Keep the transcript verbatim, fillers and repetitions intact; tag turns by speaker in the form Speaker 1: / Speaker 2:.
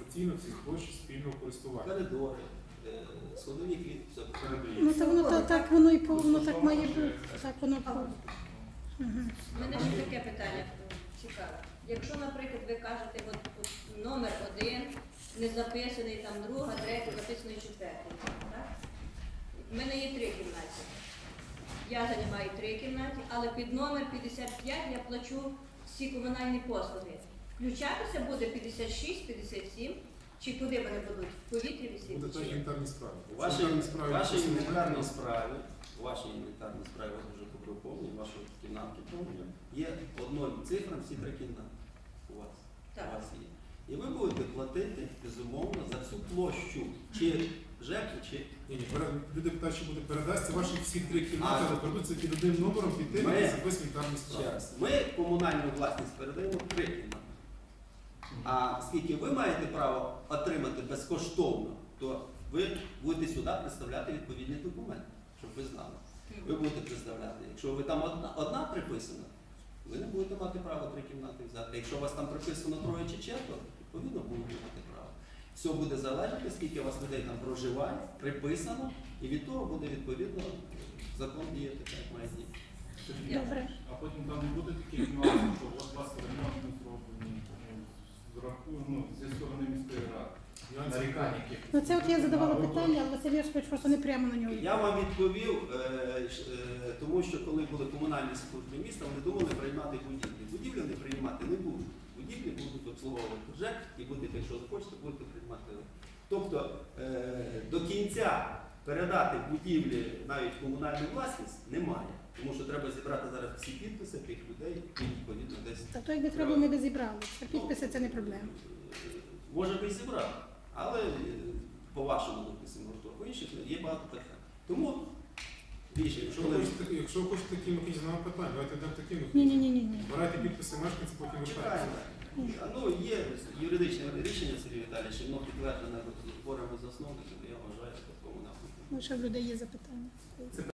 Speaker 1: офіційно ці площі спільного користування.
Speaker 2: Коридори, е, сходові квіти, все
Speaker 3: Ну,
Speaker 1: Передається.
Speaker 3: то воно так, так воно і по, воно так має бути. Так воно по. Угу.
Speaker 4: У мене ще таке питання цікаве. Якщо, наприклад, ви кажете, от, от номер один не записаний, там друга, третя, записаний четвертий. Так? У мене є три кімнати. Я займаю три кімнати, але під номер п'ятдесят п'ять я плачу всі комунальні послуги. Включатися буде п'ятдесят шість, п'ятдесят сім, чи куди вони будуть? В повітрі висіти?
Speaker 1: Буде теж інвентарні справи.
Speaker 2: У вашій
Speaker 1: Інвентарні справи
Speaker 2: вашій
Speaker 1: написано
Speaker 2: інвентарній
Speaker 1: немає.
Speaker 2: справі, у вашій інвентарній справі, ви вже купив повні, ваші кімнатки повні, є одною цифром всі три кімнати у вас.
Speaker 4: Так.
Speaker 2: У вас є. І ви будете платити, безумовно, за всю площу, чи ЖЕК, чи...
Speaker 1: Ні, ні, пере- люди питають, що буде передасться ваші всі три кімнати,
Speaker 2: А.
Speaker 1: але передуться під одним номером під тим,
Speaker 2: Ми-
Speaker 1: який записані інвентарні
Speaker 2: Ще
Speaker 1: справи.
Speaker 2: раз, ми комунальну власність передаємо три кімнати. А скільки ви маєте право отримати безкоштовно, то ви будете сюди представляти відповідний документ, щоб ви знали. Ви будете представляти. Якщо ви там одна, одна приписана, ви не будете мати права три кімнати взяти. Якщо у вас там приписано троє чи четверо, відповідно будете мати право. Все буде залежати, скільки у вас людей там проживає, приписано, і від того буде відповідно закон діяти, так як має діяти.
Speaker 3: Добре.
Speaker 5: А потім там не буде таких нюансів, що от у вас ремонт зроблені з рахунку, ну, зі сторони міської ради. Нарікань яких.
Speaker 3: Ну це от я задавала питання, але Василь Йосипович просто не прямо на нього.
Speaker 2: Я вам відповів, е, ш- е, тому що коли були комунальні служби міста, вони думали приймати будівлі. Будівлі не приймати не будуть. Будівлі будуть обслуговувати ЖЕК і будете, якщо захочете, будете приймати. Тобто е, до кінця передати будівлі навіть в комунальну власність немає. Тому що треба зібрати зараз всі підписи тих людей і відповідно десь.
Speaker 3: Та то якби треба, ми би зібрали. А підписи це не проблема.
Speaker 2: Е, Може би і зібрати, але е, по вашому допису, по інших є багато питань. Тому більше,
Speaker 1: Якщо
Speaker 2: якщо
Speaker 1: ви
Speaker 2: ви
Speaker 1: хочете такі- Якщо ви хочете таким якісь знаме питання, давайте йдемо таким.
Speaker 3: Ні, ні, ні, ні, ні.
Speaker 1: Збирайте підписи мешканців, потім
Speaker 2: чекаємо.
Speaker 1: вертаємося.
Speaker 2: А, Ну, є юридичне рішення Сергія Віталійовича, воно підтверджене зборами засновників, я вважаю, в такому напрямку.
Speaker 3: Ну, ще в людей є запитання.